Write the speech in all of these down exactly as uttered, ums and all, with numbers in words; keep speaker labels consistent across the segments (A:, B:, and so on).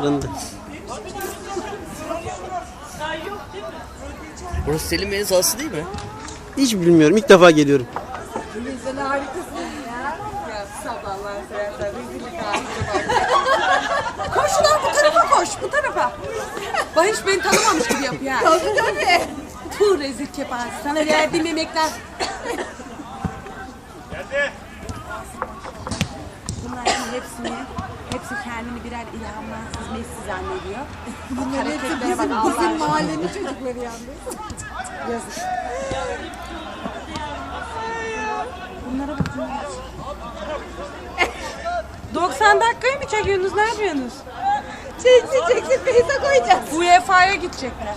A: Buranın da.
B: Burası Selim Bey'in sahası değil mi?
A: Hiç bilmiyorum. İlk defa geliyorum.
C: Sen harikasın ya. Ya sabahlar seversen rezillik ağzına bak. Koş lan bu tarafa koş. Bu tarafa. Bak hiç beni tanımamış gibi yapıyor. Tabii tabii. Tuh rezil kepaze. Sana verdiğim yemekler.
D: Geldi.
C: Bunlar şimdi hepsini, hepsi kendini birer ilhamlansız Messi zannediyor. Bunlar hepsi bizim, bizim mahallenin çocukları yalnız. Yazık. Bunlara bakın. doksan dakikayı mı çekiyorsunuz? Ne yapıyorsunuz? Çeksin çeksin peyza koyacağız. U E F A'ya gidecekler.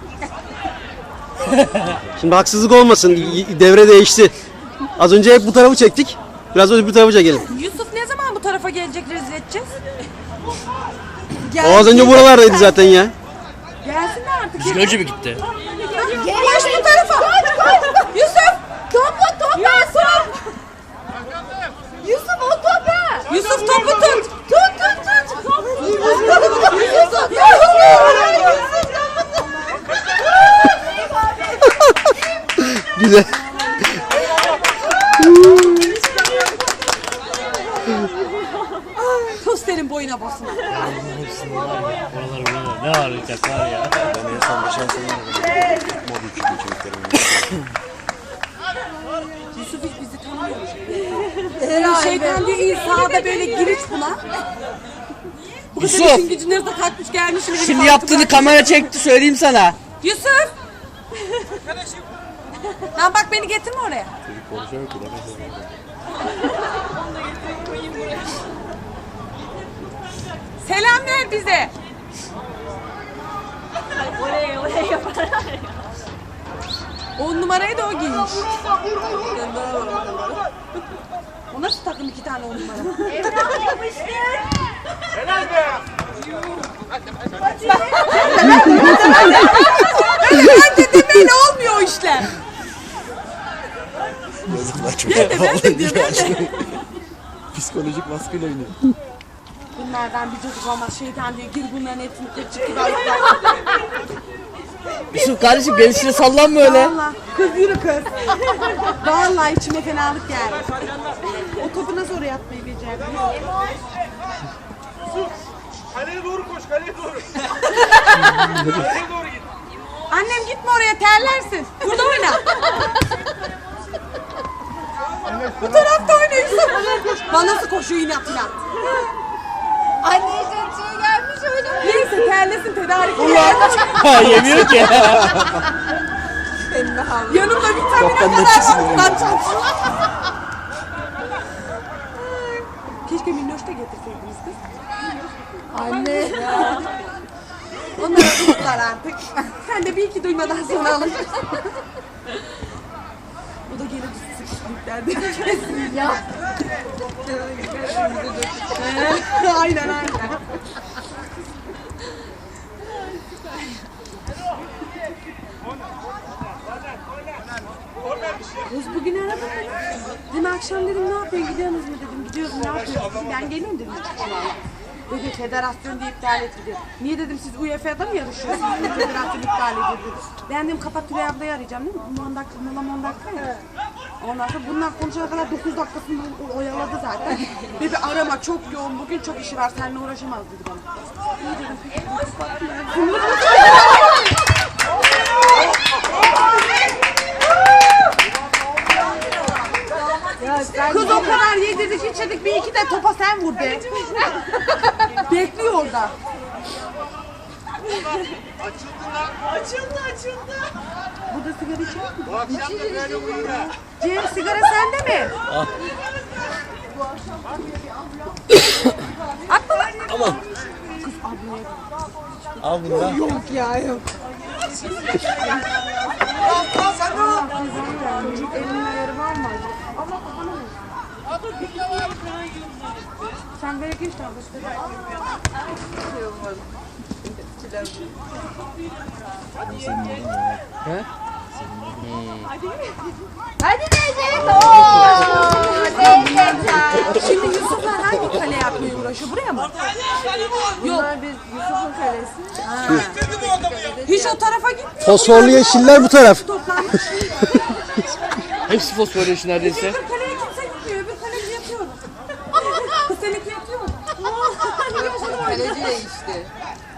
A: Şimdi haksızlık olmasın. Devre değişti. Az önce hep bu tarafı çektik. Biraz önce bu tarafa çekelim.
C: Yusuf ne zaman bu tarafa gelecek, rezil edeceğiz?
A: O az önce buralardaydı zaten ya.
C: Gelsin de artık.
B: Bizden önce mi gitti?
C: Koş bu tarafa. Koş koş. Yusuf. Topu topu. Yusuf. Yusuf o topu. Yusuf topu tut. Tut tut tut. Yusuf.
A: Güzel.
C: Tosterin boyuna basın.
B: Hepsinin var ya. Oralar buralar. Ne hareket var ya.
E: Ben en son geçen sene mob üçü geçeceklerim.
C: Yusuf hiç bizi tanımıyor. Şeytan diyor İsa'da böyle giriş buna. Bu kadar
B: Yusuf!
C: işin gücün nerede kalkmış gelmiş. Şimdi,
B: Şimdi yaptığını kamera çekti söyleyeyim sana.
C: Yusuf! Lan bak beni getirme oraya.
E: Çocuk konuşuyor ki.
C: Selam ver bize.
F: Oraya oraya yapar.
C: On numarayı da o giymiş. O nasıl takım iki tane on numara?
F: Evlat yapıştır.
D: Helal be.
C: Ben dedim böyle olmuyor o işler.
E: Yazıklar çok.
C: Ben de ben de diyor ben de.
E: Psikolojik baskıyla oynuyor.
C: Bunlardan bir çocuk olmaz şeytan diyor gir bunların hepsini kırçık gibi ayıklar.
B: Yusuf kardeşim gelişine sallanma öyle.
C: Vallahi kız yürü kız. Vallahi içime fenalık geldi. O topu nasıl oraya atmayı becerdi?
D: Kaleye doğru koş, kaleye doğru. Kaleye doğru git.
C: Annem gitme oraya terlersin. Burada oyna. Bu tarafta oyna Yusuf. Bana nasıl koşuyor inat inat.
F: Anne işletçiye gelmiş öyle.
C: Neyse terlesin tedarik.
B: Ha yemiyor ki.
C: Yanımda vitamine kadar patlatacağım. Keşke minnoş da getirseydiniz kız. Anne. Onları tuttular artık. Sen de bir iki duymadan sonra alışırsın. Bu da gene sıkıştıklardı.
F: Ya.
C: Aynen aynen. Kız bugün aradı. Dün akşam dedim ne yapıyorsun gidiyorsunuz mu dedim. Gidiyoruz ne yapıyorsunuz? Ben geleyim dedim. Dedi federasyon diye iptal etti dedi. Niye dedim siz U E F A'da mı yarışıyorsunuz? Federasyon iptal edildi dedi. Ben dedim kapat Tülay ablayı arayacağım değil mi? on dakika, mola on dakika ya. Ondan sonra bunlar konuşana kadar dokuz dakikasını oyaladı zaten. Dedi arama çok yoğun bugün çok işi var seninle uğraşamaz dedi bana. İyi dedim. Kız o kadar yedirdik içirdik bir iki de topa sen vur be. Bekliyor orada.
D: Açıldı açıldı.
C: Burada sigara içiyor mu?
D: Bu akşam da böyle olur ha.
C: Cem sigara sende mi? At bana.
B: Tamam.
C: Kız ablaya.
B: Al bunu da.
C: Yok ya yok. Allah kızını vermiş. Elinin ayarı var mı acaba? Allah kafana ver. Sen böyle geç tabi.
B: He?
F: Hadi teyze. Oo, teyze.
C: Şimdi Yusuflar hangi kale yapmaya uğraşıyor? Buraya mı? Yok.
F: Biz Yusuf'un kalesi.
C: Hiç o tarafa gitmiyor.
A: Fosforlu yeşiller bu taraf.
C: Toplanmış.
B: Hepsi fosfor yaşı neredeyse.
C: Bir kaleye kimse gitmiyor. Bir kaleci yapıyor. Seninki yapıyor mu?
F: Kaleci değişti.